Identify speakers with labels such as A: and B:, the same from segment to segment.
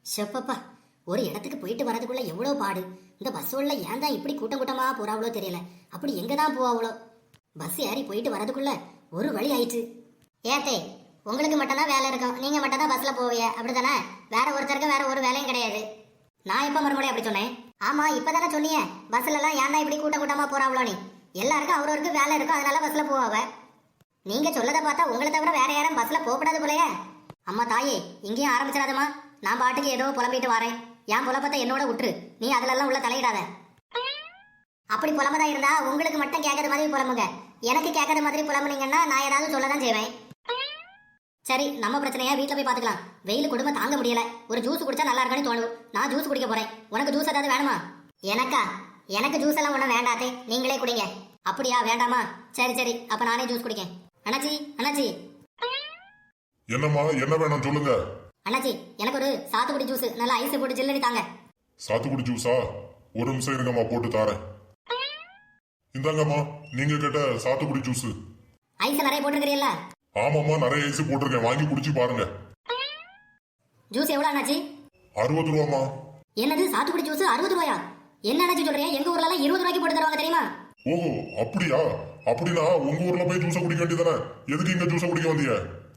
A: ஷப்பப்பா, ஒரு இடத்துக்கு போயிட்டு வரதுக்குள்ள எவ்வளோ பாடு. இந்த பஸ் உள்ள ஏன் தான் இப்படி கூட்டம் கூட்டமா போறாவளோ தெரியல. அப்படி எங்க தான் போவாவளோ. பஸ் ஏறி போயிட்டு வரதுக்குள்ள ஒரு வழி ஆயிடுச்சு. ஏத்தே, உங்களுக்கு மட்டும்தான் வேலை இருக்கும், நீங்க மட்டும் தான் பஸ்ல போவீங்க, அப்படித்தானே? வேற ஒருத்தருக்கு வேற ஒரு வேலையும் கிடையாது. நான் எப்ப மறுபடியும் அப்படி சொன்னேன்? ஆமா, இப்பதானே சொன்னீங்க பஸ்ல எல்லாம் ஏன் தான் இப்படி கூட்டம் கூட்டமா போறாவளோ. நீ எல்லாருக்கும் அவரவருக்கு வேலை இருக்கும், அதனால பஸ்ல போவாவ. நீங்க சொல்லதை பார்த்தா உங்களை தவிர வேற யாரும் பஸ்ல போகக்கூடாது போலயே. அம்மா தாயே, இங்கேயும் ஆரம்பிச்சிடாதம்மா. நான் பாட்டுக்கு ஏதோ புலம்பிட்டு வரேன். என் புலப்பத்தை என்னோட விட்டுரு, நீ அதுல உள்ள தலையிடாத. அப்படி புலம்பதா இருந்தா உங்களுக்கு மட்டும் கேட்கற மாதிரி புலம்புங்க. எனக்கு கேட்கற மாதிரி புலம்புனீங்கன்னா நான் ஏதாவது சொல்லதான் செய்வேன். சரி, நம்ம பிரச்சனையா வீட்டுல போய் பாத்துக்கலாம். வெயில் கொடுமை தாங்க முடியல. ஒரு ஜூஸ் குடிச்சா நல்லா இருக்குன்னு தோணுது. நான் ஜூஸ் குடிக்க போறேன். உனக்கு ஜூஸ் ஏதாவது வேணுமா? எனக்கா? எனக்கு ஜூஸ் எல்லாம் ஒன்றும் வேண்டாத்தே, நீங்களே குடிங்க. அப்படியா? வேண்டாமா? சரி சரி, அப்ப நானே ஜூஸ் குடிக்கேன். அண்ணாச்சி, அண்ணாச்சி.
B: என்னம்மா, என்ன வேணும் சொல்லுங்க.
A: அண்ணாச்சி, எனக்கு ஒரு சாத்துக்குடி ஜூஸ் நல்லா ஐஸ் போட்டு ஜில்லுன்னு தாங்க.
B: சாத்துக்குடி ஜூஸா? ஒரு நிமிஷம் இருங்கம்மா, போட்டு தாரேன். இந்தாங்கம்மா, நீங்க கேட்ட சாத்துக்குடி ஜூஸ்.
A: ஐஸ் நிறைய போட்டுருக்கீல்ல?
B: ஆமாம்மா, நிறைய ஐஸ் போட்டிருக்கேன், வாங்கி குடிச்சு பாருங்க.
A: ஜூஸ் எவ்வளவு அண்ணாச்சி?
B: 60 ரூபாமா.
A: என்னது, சாத்துக்குடி ஜூஸ் 60 ரூபாயா? என்ன அண்ணாச்சி சொல்றீங்க? எங்க ஊர்ல எல்லாம் 20 ரூபாய்க்கு போட்டு தருவாங்க தெரியுமா?
B: ஓஹோ, அப்படியா? அப்படின்னா உங்க ஊர்ல போய் ஜூஸ குடிக்க வேண்டியதானே? எதுக்கு இங்க ஜூஸ குடிக்க வந்தீங்க?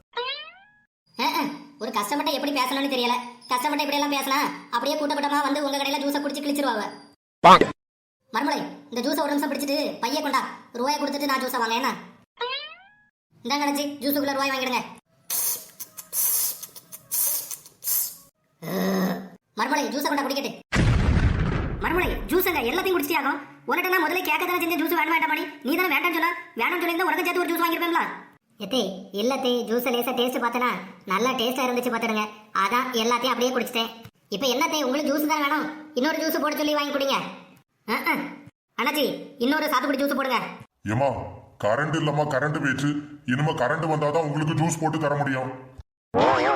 A: ஒரு கஸ்டமர்ட்ட எப்படி பேசணும்னு தெரியல. கஸ்டமர்ட்ட இப்படி எல்லாம் பேசினா அப்படியே கூட்ட கூட்டமா வந்து உங்க கடையில ஜூஸை குடிச்சு கிழிச்சிருவாங்க. மறுமலை, இந்த ஜூஸை ஒரு நிமிஷம் பிடிச்சிட்டு பைய கொண்டா. ரூபாய் கொடுத்துட்டு நான் ஜூஸை வாங்க. என்ன இந்தாங்க அண்ணாச்சி, ஜூஸுக்குள்ள ரூபாய் வாங்கிடுங்க. மறுமலை, ஜூஸை கொண்டா குடிக்கட்டு. மறுமலை, ஜூஸங்க எல்லாத்தையும் குடிச்சியாகும். உனக்கு நான் முதல்ல கேட்க தானே செஞ்ச ஜூஸ் வேணும் வேண்டாம். நீ தானே வேண்டாம்னு சொன்னா. வேணும்னு சொல்லியிருந்தா உனக்கு சேர்த்து ஒரு ஜூஸ் வாங்கிருப்பேன்ல. எத்தே இல்லத்தே, ஜூஸ் லேசா டேஸ்ட் பார்த்தனா நல்லா டேஸ்டா இருந்துச்சு பார்த்துடுங்க. அதான் எல்லாத்தையும் அப்படியே குடிச்சிட்டேன். இப்போ என்னத்தே, உங்களுக்கு ஜூஸ் தான் வேணும்? இன்னொரு ஜூஸ் போட சொல்லி வாங்கி குடிங்க. அண்ணாச்சி, இன்னொரு சாத்துக்குடி ஜூஸ் போடுங்க.
B: ஏமா, கரண்ட் இல்லம்மா, கரண்ட் போயிடுச்சு. இனிமே கரண்ட் வந்தாதான் உங்களுக்கு ஜூஸ் போட்டு தர முடியும்.